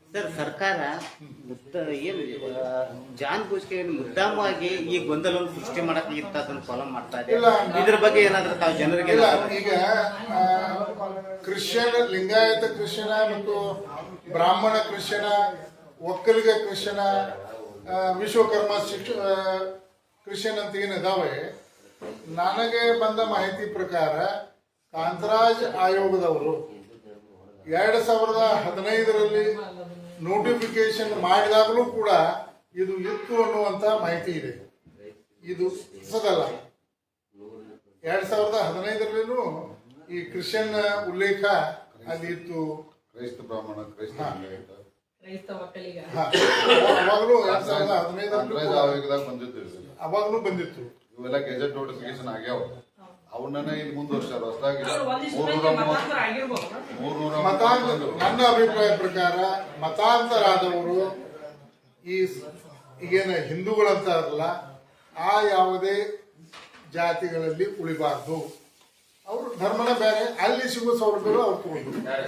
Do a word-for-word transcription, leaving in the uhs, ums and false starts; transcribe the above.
Sir ಸರ್ಕಾರ ಮುದ್ದ ಏನು ಜಾನ್ ಬೂಸ್ಗೆ ಮುದ್ದಾಮವಾಗಿ ಈ ಗೊಂದಲವನ್ನು ಸೃಷ್ಟಿ ಮಾಡಕ್ಕೆ ಇಂಥದ್ದನ್ನು ಫಾಲೋ ಮಾಡ್ತಾ ಇದೆ. ಇದ್ರ ಬಗ್ಗೆ ಏನಾದ್ರೂ ತಾವು ಜನರಿಗೆ ಈಗ ಕ್ರಿಶ್ಚಿಯನ್ ಲಿಂಗಾಯತ ಕ್ರಿಶ್ಚಿಯನ ಮತ್ತು ಬ್ರಾಹ್ಮಣ ಕ್ರಿಶ್ಚಿಯನ ಒಕ್ಕಲಿಗ ಕ್ರಿಶ್ಚಿಯನ ವಿಶ್ವಕರ್ಮ ಶಿಕ್ಷ ಕ್ರಿಶ್ಚಿಯನ್ ಅಂತ ಏನಿದಾವೆ, ನನಗೆ ಬಂದ ಮಾಹಿತಿ ಪ್ರಕಾರ ಕಾಂತರಾಜ್ ಆಯೋಗದವರು ಎರಡು ಸಾವಿರದ ಹದಿನೈದರಲ್ಲಿ ನೋಟಿಫಿಕೇಶನ್ ಮಾಡಿದಾಗಲೂ ಕೂಡ ಇದು ಇತ್ತು ಅನ್ನುವಂತ ಮಾಹಿತಿ ಇದೆ. ಇದು ಹೊಸದಲ್ಲ. ಎರಡ್ ಸಾವಿರದ ಹದಿನೈದರಲ್ಲೂ ಈ ಕ್ರಿಶ್ಚಿಯನ್ ಉಲ್ಲೇಖ ಅಲ್ಲಿ ಇತ್ತು. ಕ್ರೈಸ್ತ ಬ್ರಾಹ್ಮಣ ಕ್ರೈಸ್ತ ಅವಾಗಲೂ ಎರಡ್ ಸಾವಿರದ ಹದಿನೈದರಲ್ಲಿ ಅವಾಗಲೂ ಬಂದಿತ್ತು. ಇವೆಲ್ಲ ಗೆಜೆಟ್ ನೋಟಿಫಿಕೇಶನ್ ಆಗ್ಯಾವ. ಅವನ್ನ ಇಲ್ಲಿ ಮುಂದುವರ್ಸಾರ ಹೊಸದಾಗಿ ನನ್ನ ಅಭಿಪ್ರಾಯ ಪ್ರಕಾರ ಮತಾಂತರಾದವರು ಈ ಈಗೇನ ಹಿಂದೂಗಳಂತಾರಲ್ಲ ಆ ಯಾವುದೇ ಜಾತಿಗಳಲ್ಲಿ ಉಳಿಬಾರ್ದು. ಅವರು ಧರ್ಮನ ಬೇರೆ, ಅಲ್ಲಿ ಸಿಗೋ ಸೌಲಭ್ಯಗಳು ಅವ್ರು ತಗೊಂಡು